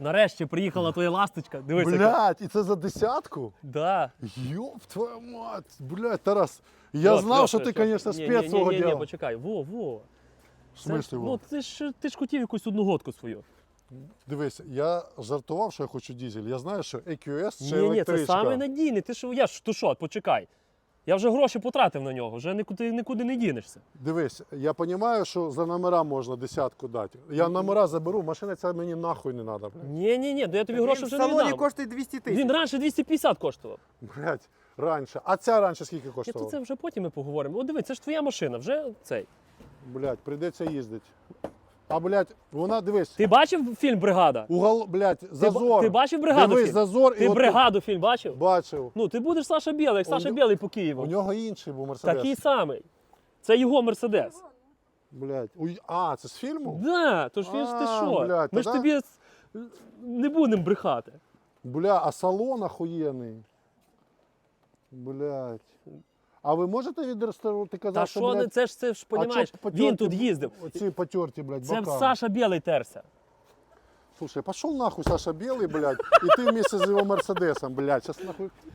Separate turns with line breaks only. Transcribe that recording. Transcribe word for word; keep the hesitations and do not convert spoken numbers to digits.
Нарешті приїхала твоя ласточка. Дивись, яка.
Блядь, і це за десятку?
Да.
Йоп, твою мать. Блядь, Тарас, я
От,
знав,
Льоша,
що ти,
Льоша.
звісно,
Ні,
спец
ні,
свого
ні, ні, ні,
діла.
почекай. Во, во.
В
Це
смислі,
ж,
во?
ну, ти ж, ти ж хотів якусь одну годку свою.
Дивись, я жартував, що я хочу дизель. Я знаю, що ей кю ес це
Ні, ні,
електричка.
це саме надійний. Ти що, я ж, то що, почекай. Я вже гроші потратив на нього, вже нікуди, нікуди не дінешся.
Дивись, я розумію, що за номера можна десятку дати. Я номера заберу, машина ця мені нахуй не треба.
Ні, ні, ні, то я тобі гроші
Він в
вже не
салоні
віддам.
коштує двісті тисяч.
Він раніше двісті п'ятдесят коштував.
Блять, раніше. А ця раніше скільки
Ні, то
коштувала?
це вже потім ми поговоримо. О, диви, це ж твоя машина, вже цей.
Блять, прийдеться їздити. А, блять, вона, дивись,
Ти бачив фільм «Бригада»?
угол, блять,
Ти, ба-
зазор.
ти бачив «Бригаду»
Дивись,
фільм?
зазор.
Ти
і от
«Бригаду» фільм бачив?
тут бачив.
Ну, ти будеш Саша Білий, як
У
Саша
нього-
Білий по
У
Києву.
нього інший був Мерседес.
Такий самий. Це його Мерседес.
Блять. Уй, а, це з фільму?
Да, то ж він ж ти
А,
що?
блядь,
Ми ж
тоді-
тобі с- не будемо брехати.
Бля, а салон охуєнний. Блять. А ви можете відреставрувати? Ти казав,
Та
що,
що, не-
блядь,
це ж, це ж,
а
понімаєш,
чо потерті
він тут їздив.
Оці потерті, блядь,
Це
бока.
Саша Білий терся.
Слушай, пошел нахуй Саша Белый, блядь, и ты вместе с его Мерседесом, блядь, сейчас нахуй.